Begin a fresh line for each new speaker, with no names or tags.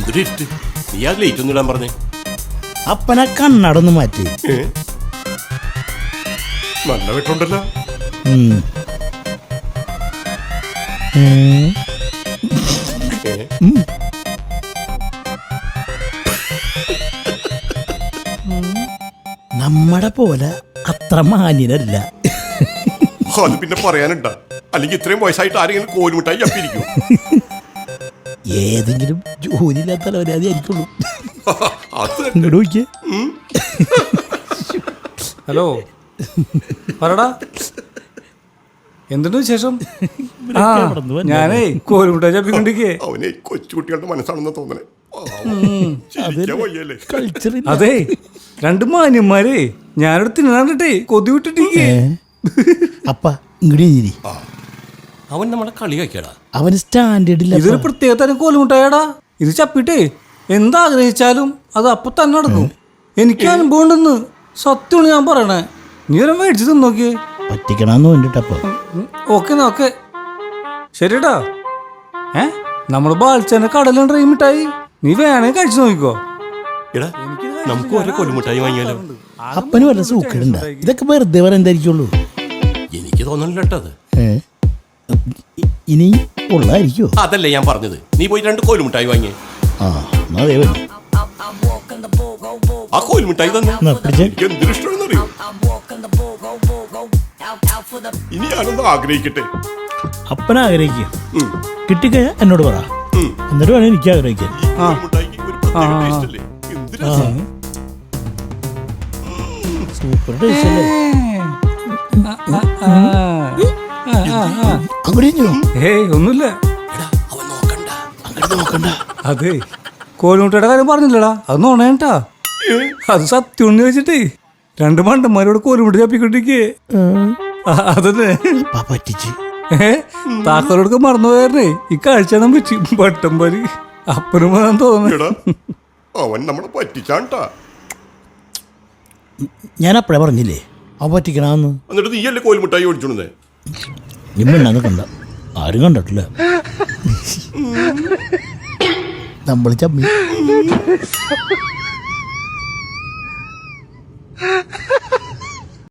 എന്തൊരു ഇരുട്ട്. നീ ആ ലേറ്റ് ഒന്നും ഇടാൻ പറഞ്ഞേ.
അപ്പനെ കണ്ണടന്ന് മാറ്റി.
നല്ല വെട്ടുണ്ടല്ലോ.
നമ്മടെ പോലെ അത്ര മാന്യനല്ല.
അത് പിന്നെ പറയാനുണ്ടാ? അല്ലെങ്കിൽ ഇത്രയും വയസ്സായിട്ട് ആരെങ്കിലും കോലുമിട്ടായി ചപ്പിരിക്കും.
ഏതെങ്കിലും ജോലിയില്ലാത്ത തലവരാതി ആയിരിക്കുള്ളൂ.
അത്
നോക്കിയേ.
ഹലോ പറടാ, എന്തുണ്ട് വിശേഷം? ഞാനേ കോലുമുട്ടായി ചപ്പിക്കൊണ്ടിരിക്കേ.
അവനെ കൊച്ചുകുട്ടികളുടെ മനസ്സാണെന്ന് തോന്നണേ.
അതെ, രണ്ട് മാന്യന്മാരെ ഞാനോട് തിന്നാണ്ടിട്ടേ കൊതി വിട്ടിട്ടേ.
അപ്പ ഇങ്ങോട്ട്
അവൻ നമ്മളെ കളി കഴിക്കടാ.
അവന് സ്റ്റാൻഡേർഡില്ല.
ഇതൊരു പ്രത്യേക തരം കോലുമുട്ടായടാ. ഇത് ചപ്പിട്ടേ എന്താഗ്രഹിച്ചാലും അത് അപ്പൊ തന്നെ നടക്കും. എനിക്ക് അനുഭവം ഉണ്ടെന്ന് സത്യമാണ് ഞാൻ പറയണേ. നീ ഒരു മേടിച്ച് തിന്നോക്കിയേ.
പറ്റിക്കണമെന്ന് വേണ്ടിട്ടപ്പോ.
ഓക്കെ നോക്കെ ശരിട്ടാ. നമ്മള് ബാൽച്ചന്റെ കടലുണ്ട് ഈ മിഠായി. നീ വേണേ കഴിച്ചു നോക്കിക്കോ.
എടാ നമുക്ക് ഓരോ കൊലുമിഠായി വാങ്ങിയാലോ?
അപ്പന് വല്ല സൂക്കേടുണ്ട? ഇതൊക്കെ വെറുതെ പറയുന്നതായിരിക്കുള്ളൂ.
എനിക്ക് തോന്നണില്ല കേട്ടോ അത്.
ഇനി ഉള്ളായിരിക്കോ?
അതല്ലേ ഞാൻ പറഞ്ഞത്. നീ പോയി 2 കോലുമിഠായി വാങ്ങിയേ. ആ കോലുമിഠായി തന്നെ എനിക്ക് എന്തൊരു ഇഷ്ടമാണെന്നറിയോ? ഇനി ഞാനൊന്ന് ആഗ്രഹിക്കട്ടെ.
അപ്പന ആഗ്രഹിക്കുക. കിട്ടിക്കഴിഞ്ഞാൽ എന്നോട് പറ. എന്നിട്ട് വേണം എനിക്ക് ആഗ്രഹിക്കാൻ. സൂപ്പർ ടേസ്റ്റ് അല്ലേ?
ഒന്നുമില്ല. അതെ, കോലുമുട്ടയുടെ കാര്യം പറഞ്ഞില്ലടാ, അത് നോണേട്ടാ. അത് സത്യം ചോദിച്ചിട്ടേ 2 മണ്ടന്മാരോട് കോലുമുട്ട ചപ്പിക്കൊണ്ടിരിക്കേ. അതന്നെ
പറ്റിച്ച്.
താക്കോലൊക്കെ മറന്നുപോയേ. ഈ കാഴ്ച പറ്റി പട്ടം പരി അപ്പനും തോന്നുന്നു.
അവൻ നമ്മളെ പറ്റിച്ചാണ്ടാ.
ഞാൻ അപ്പഴേ പറഞ്ഞില്ലേ അവ പറ്റിക്കണമെന്ന്.
എന്നിട്ട് നീയല്ലേ കോലുമിഠായി ഓടിച്ചോണ്ടേ?
നിമ്മണ്ണാന്ന് കണ്ട ആരും കണ്ടിട്ടില്ല. നമ്മൾ ചമ്മി.